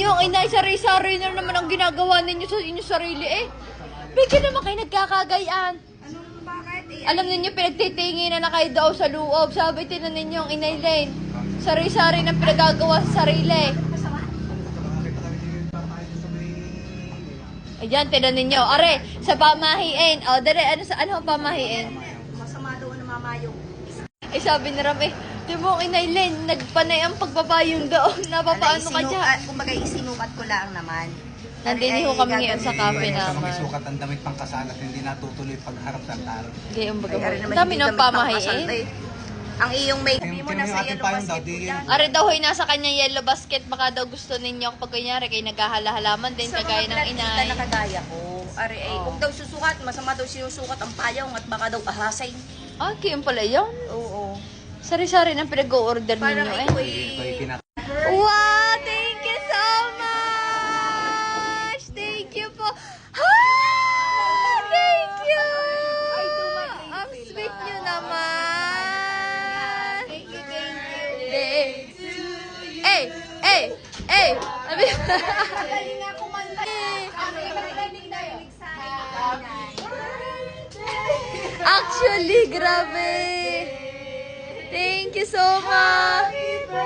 ninyo ang inay, sari-sari na naman ang ginagawa ninyo sa inyong sarili eh. Bigyan naman kayo nagkakagayaan. Alam ninyo, pinagtitingin na kayo daw sa loob. Sabi, tinan ninyo ang inay Lane. Sari-sari na pinagagawa sa sarili. Ayan, tinan ninyo. Are, sa pamahiin. O, dali, ano ang pamahiin? Masama doon na mamayong. Eh, sabi ni Ram, di mo inay Lane, nagpanay ang pagbabayong doon. Napapaano ka dyan? Kumbaga, isinukat ko lang naman. Nandini ho kami ngayon sa cafe naman. Sukat ang damit pang kasal at hindi natutuloy pagharap sa altar. Gayong baga. Dami ng pamahiin. Ang iyong may Tingnan mo na yung sa ating yellow payong daw, basket di ko yan. yan. Are daw hoy nasa kanya yellow basket, baka daw gusto ninyo kapag kunyari kayo naghahala-halaman din kagaya ng inay. na kagaya ko. Ari ay, huwag daw susukat. Masama daw sinusukat ang payong at baka daw ahasay. Ah, kayong pala yun. Oo. Sari-sari ng pinag-o-order Parang ninyo ito eh. Ito ay Wow! Thank you so much! Thank you po. Ah! Thank you! Ang sweet nyo naman. Thank you, thank you. Eh! Eh! Eh! Sabi Actually, grabe. Thank you so much.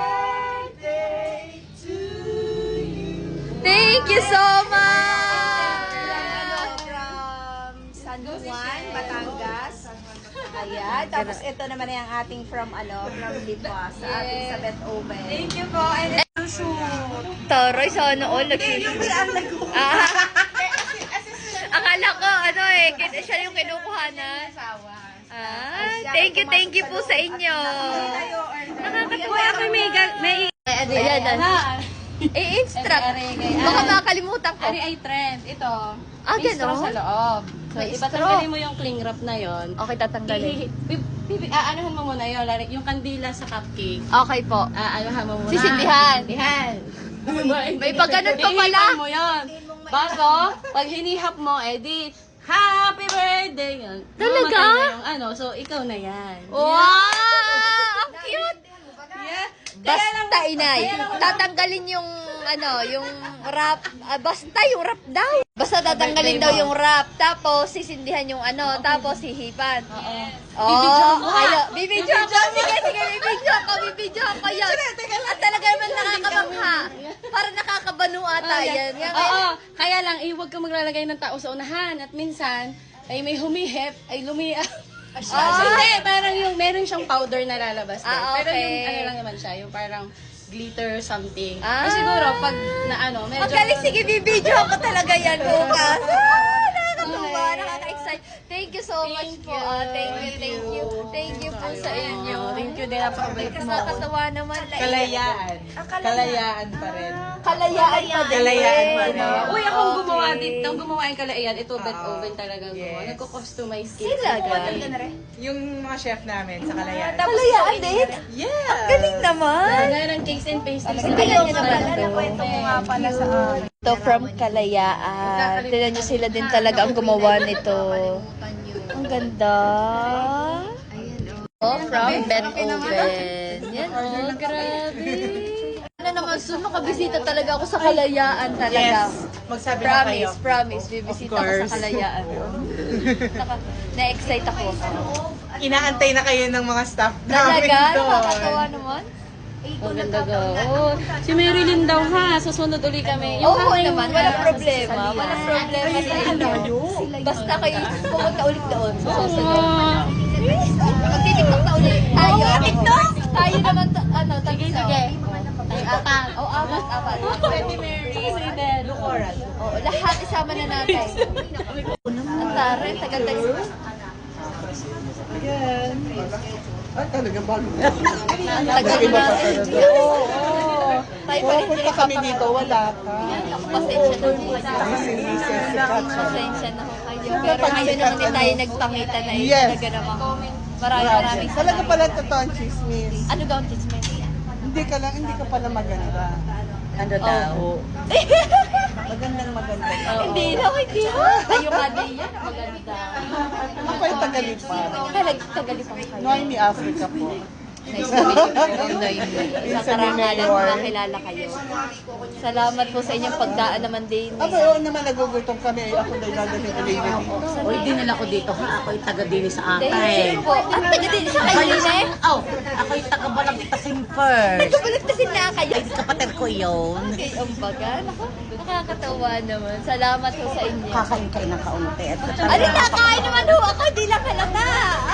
Thank you so much. From San Juan, Batangas. Ayan. Tapos ito naman yung ating from Lipa sa ating sa Bet Oven. Thank you po. And ito shoot. Taray, sana all nagsushoot. Akala ko, siya yung kinukuhanan. Thank you po sa inyo. Nakakatuwa ako may Ayan na. I-instruct. Baka makakalimutan ko. Ari ay trend. Ito. Ah, May straw ganon? sa loob. So, May straw. itatanggalin mo yung cling wrap na yon. Okay, tatanggalin. Aanohan mo muna yun. Yung kandila sa cupcake. Okay po. Aanohan mo muna. Sisindihan. Sisindihan. May pagganon pa pala. Hihipan mo yun. Bago, pag hinihap mo, di, happy birthday! Yun. Talaga? Mamatay na yung so ikaw na yan. Wow! Ang cute! Yeah. Basta inay, tatanggalin yung yung wrap. Basta yung wrap daw. Basta tatanggalin daw yung wrap. Tapos sisindihan yung tapos hihipan. Bibidyohan ko. Bibidyohan ko. Sige, bibidyohan ko yun. At talaga naman nakakabangha. Para nakakabanu ata yan. Oo. Kaya lang, huwag ka maglalagay ng tao sa unahan. At minsan, ay may humihip, ay lumiyak. Hindi, parang meron siyang powder na lalabas din. Pero yung lang naman siya, yung parang glitter something. Ay siguro, pag medyo... Magaling, sige, bibidyohan ko talaga yan bukas. Nakakatuwa, nakaka-excite. Thank you so much po. Thank you po sa inyo. Thank you din, napakabait mo. Nakakatawa naman. Kalayaan. Kalayaan pa rin. Kalayaan pa din. Kalayaan pa rin. Uy, akong gumawa din. Nang gumawa yung kalayaan, ito Bet Oven talagang gumawa. Nagko-customize cake. Sila Yung mga chef namin sa Kalayaan. Kalayaan din? Yeah! Galing naman. Gaya ng cakes and pastries. Alam niyo naman. Kwento mo nga pala sa Ito from Kalayaan. Tignan niyo sila din talaga ang gumawa nito. Ang ganda. Oh, from Bet Oven. Yan, grabe. Naman, soon makabisita talaga ako sa Kalayaan talaga. Yes! Magsabi na kayo. Promise. Bibisita ako sa Kalayaan. Na-excite ako. Inaantay na kayo ng mga staff namin Talaga? doon. Nakakatawa naman. Ang ganda ga. Oh, si Marilyn daw ha. Susunod uli kami. Oo hanggang naman, walang problema. Walang problema sa inyo. Basta kayo pumunta ulit doon. Magtitiktok na ulit tayo. TikTok? Tayo naman, sige. Ay, apat. Oo, apat. Sige, Ben. Oo, lahat isama na natin. Ang taray, tagal-tagal. Ay, talagang bago. Ang tagal natin. Oo. Tayo pa rin Pupunta kami dito, wala ka. Pasensya na po. Busy si Katsa. Pasensya na po kayo. Pero ngayon naman din tayo nagpangita na yun. Yes. Talaga naman. Maraming Talaga salamat. pala totoo ang chismis. Ano daw ang chismis? Hindi ka pala maganda. Ano daw? Magandang maganda. Hindi daw. Kayo nga din yan. Maganda. Ako ay tagalipan. Tagalipang kayo. Noemi Africa po. Nice to meet you po, Noynoy. Sa Isa ni karangalan Mayor. makilala kayo. Salamat po sa inyong pagdaan naman din. Aba, oo naman, nagugutom kami. Ako na ilalating ulit. O, dinala ko dito ha. Ako'y taga-dini sa Thank akin. you po. At taga din sa kayo eh. Oh, ako'y taga-balagtasin first. Nagkabalagtasin na kayo. Ay, kapatid ko yun. Okay, umbaga. Naku, nakakatawa naman. Salamat po sa inyo. Kakain kayo ng kaunti. At Ano kakain naman ho ako? Di lang halata.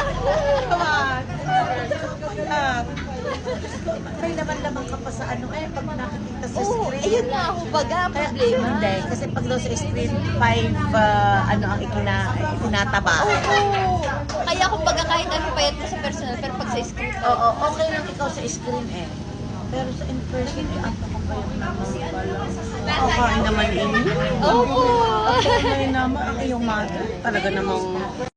May laman-laman ka pa sa ano eh, pag nakikita sa Oo, screen. ayun nga ho baga. Ang problema. Hindi, kasi pag daw sa screen, 5, ano ang itinataba. Oo. Kaya kung baga kahit ano payat ko sa personal, pero pag sa script, Oo, okay lang ikaw sa screen eh. Pero sa in-person, eh, ang kapayang naman pala. Kakain naman inyo. opo. Kakain naman ang iyong mother. Talaga namang